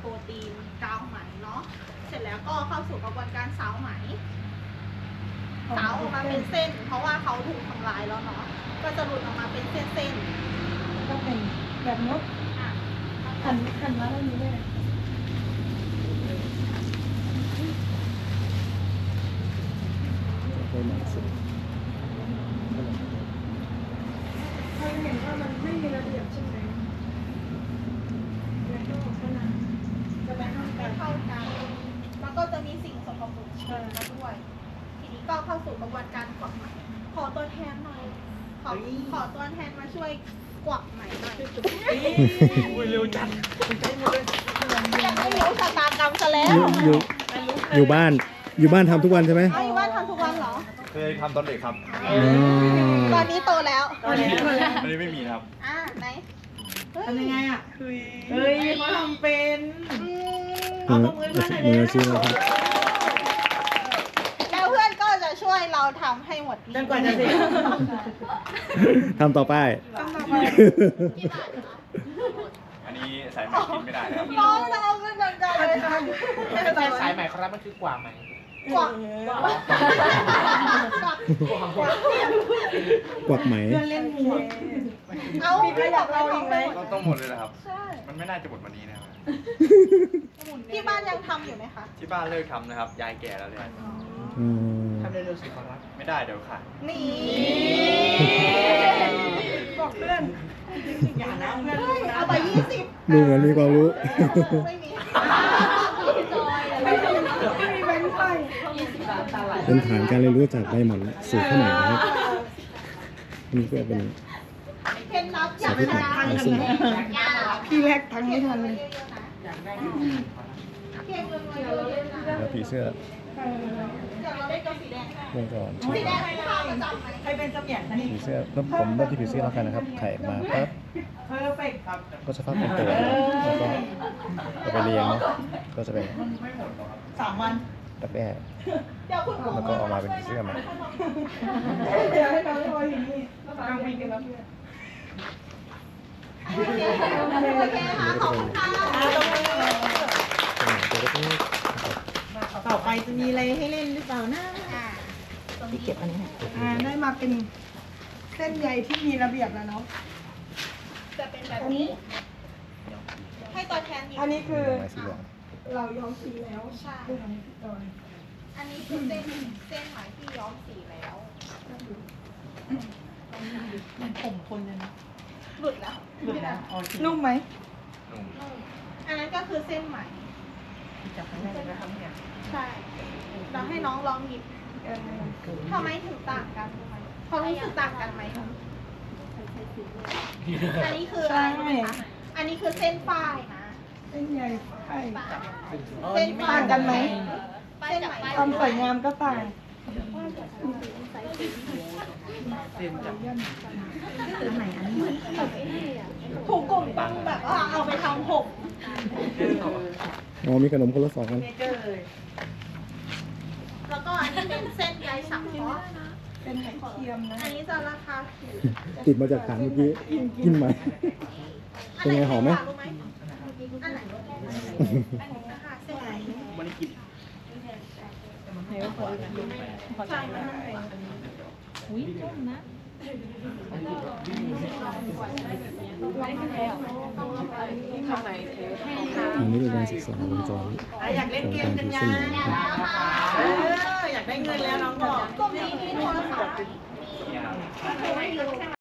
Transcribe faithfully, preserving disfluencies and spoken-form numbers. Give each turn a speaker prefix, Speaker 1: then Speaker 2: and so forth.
Speaker 1: รตีนกาวไหมเนาะเสร็จแล้วก็เข้าสู่กระบวนการสาวไหมสาวออกมาเป็นเส้นเพราะว่าเขาถูกทำลายแล้วเนาะก็จะหลุดออกมาเป็นเส้นๆ
Speaker 2: ก็เป็นแบบนกหันหันมาด้านนี้เลยเคยเห็นว่ามันไม่มีระเบียบใช่ไหมแล้วก็ขนาดจะไปห้ามกั
Speaker 1: ไม่
Speaker 2: น
Speaker 1: เท่ากันมันก็จะมีสิ่งสกปรกเชื้อมาด้วยทีนี้ก็เข้าสู่กระบวนการกวักไหมขอตัวแทนหน่อยขอขอตัวแทนมาช่วยกวักไหมหน่อย
Speaker 3: อุ้ยเร็วจังใจหมดเลย
Speaker 1: ยังไม่รู้ชะตากรรมซะแล้ว
Speaker 4: อยู่อยู่บ้านอยู่บ้านทำทุกวันใช่ไหม
Speaker 1: ไอ้ว่าทำทุกวันเหรอ
Speaker 3: เคยทำตอนเด็กครับ
Speaker 4: อ๋อ
Speaker 1: ตอนนี้โตแล้ว
Speaker 2: ตอนนี้
Speaker 3: อันนี้ไม่มีครับ
Speaker 1: อ่าไหนเฮ้ย
Speaker 2: ทำยังไงอ่ะเฮ้ยเขาทำเป็น
Speaker 1: อืม
Speaker 2: เอาตรงมือเพื่อนหน่อย
Speaker 4: มื
Speaker 2: เร็
Speaker 4: อ
Speaker 2: ว
Speaker 4: อาชีพนะครับ
Speaker 1: แล้วเพื่อนก็จะช่วยเราทำให้หมด
Speaker 2: จนกว่าจะเสร็จ
Speaker 4: ทำต่อไป
Speaker 2: ต้องทำไป
Speaker 3: อันนี้สายไหมกินไม่ได้นะครับ
Speaker 1: น้องเราก็จังกันเลยค่ะ
Speaker 5: ไม่ใช่สายใหม่ครับมันคือกว่าไหม
Speaker 1: กวักกวักกวัก
Speaker 4: กวักไหม
Speaker 2: เพื่อนเล่นหมวก
Speaker 1: เอา
Speaker 2: มีใครอยากเราอีกไหม
Speaker 3: ต้องต้องหมดเลยนะครับ
Speaker 1: ใช่
Speaker 3: มันไม่น่าจะหมดวันนี้นะครับ
Speaker 1: ที่บ้านยังทำอยู่ไหมคะ
Speaker 3: ที่บ้านเลิกทำนะครับ ยายแก่แล้วเลย
Speaker 4: อืม
Speaker 5: ทำเร็วๆสิขอรับ
Speaker 3: ไม่ได้เดี๋ยวขาด
Speaker 1: นี่
Speaker 2: บอกเพื่อนอย่านะเพื่อนรู้นะ
Speaker 1: เอาไปยี่สิบ
Speaker 4: ดูเหมือนมีความรู้
Speaker 1: ไม่มี
Speaker 2: ไม่มีไม่มีแบงค์ไทย
Speaker 4: เป็นฐานการเรียนรู้จากใบหม่อนสู่ข้าวเหนียวนะครับนี่ก็เป็น
Speaker 1: เคล็ดลับอย่า
Speaker 4: สาธิต
Speaker 1: ชนะ
Speaker 4: ทางซึ่ง
Speaker 2: พี่แรกทั้งไม่ทันเลย
Speaker 1: เก่งเลยเยอะๆนะ
Speaker 4: แล้วผีเสื้อ
Speaker 1: เดี๋ยวเราได้ตัวสีแดง
Speaker 4: เมื่อก่อน
Speaker 1: สีแดงเป็นท่าประจำไหม
Speaker 2: ใครเป็นเสมียนคะนี่
Speaker 4: ผีเสื้อแล้วผมเริ่มที่ผีเสื้อแล้วกันนะครับ ไข่มาปั๊บ
Speaker 2: เพอร์เฟกต์ครับ
Speaker 4: ก็จะฟักเป็นตัวแล้วก็เอาไปเลี้ยงเนาะก็จะเป็น
Speaker 2: สามวัน
Speaker 4: ดักแด้
Speaker 1: เดี๋ยวคุณครู
Speaker 4: แล้วก็ออกมาเป็นผีเสื้อมา
Speaker 2: เดี๋ยวให้น้องรออยู่นี่กลางวินกันแล้ว
Speaker 1: โอเคโอเคค่ะขอบคุณค่ะ
Speaker 4: เป็นหนังตัวเล็ก
Speaker 2: ต่อไปจะมีอะไรให้เล่นหรือเปล่านะ
Speaker 1: อ่า
Speaker 2: พี่เก็บอันนี้อ่าได้มาเป็นเส้นใยที่มีระเบียบแล้วเนาะ
Speaker 1: จะเป็นแบบนี้ ให้ตัวแทนหยิบ
Speaker 2: อันนี้คือ
Speaker 4: ไม้สีเหลือง
Speaker 2: เราย้อมสีแล้ว
Speaker 1: ใช่
Speaker 2: ดูของพี่จอย
Speaker 1: อันนี้คือเส้นเส้นไหมที่ย้อมสีแล้ว
Speaker 2: มันผมคนเลยนะ
Speaker 1: หลุดแล้ว
Speaker 2: นุ่มไหม
Speaker 3: นุ่ม
Speaker 1: นุ่มอันนั้นก็คือเส้นไหม
Speaker 2: จับข้างในนะครับเนี่ย
Speaker 1: ใช่เราให้น้องลองหยิบทำไมถึงต่างกันรู้ไหมเขารู้สึกต่างกันไหมคะอันนี้คืออะไรรู้ไหมคะอันนี้คือเส้นฝ้ายนะ
Speaker 2: เส้นใยไข่
Speaker 1: เส้น
Speaker 2: ต่างกันไหม
Speaker 1: เส้นไหม
Speaker 2: ความสวยงามก็ต่าง
Speaker 5: เต็มจัง
Speaker 1: ถูกกลุ่มต้องแบบว่าเอาไปทำผม
Speaker 4: อ๋อมีขนมคนละสองอัน
Speaker 2: เนเจอร์เลย
Speaker 1: แล้วก็อันนี้เป็นเส้นใยสังเคราะห์
Speaker 2: เป็นไข่เทียมนะ
Speaker 1: อันนี้จะราคาถูก
Speaker 4: ติดมาจากฐานเมื่อกี้กินไหม เป็นไงหอมไหม
Speaker 1: รู้ไหมอันไหนนะคะเส้นไหน
Speaker 5: มันได้กิน
Speaker 1: ใช่ไหม
Speaker 4: อันนี้เป็นการศึกษาวงจร
Speaker 2: อยากเล่น
Speaker 4: ของ
Speaker 2: เก
Speaker 4: กาม ร
Speaker 2: กั
Speaker 4: ถื
Speaker 2: น
Speaker 4: อ
Speaker 2: ยั
Speaker 4: เส้น
Speaker 2: ง
Speaker 4: ไหมนะครับ
Speaker 2: เอออยากได้เงินแล้วน้องบอก
Speaker 1: กลุ่มนี้มีโทรศัพท์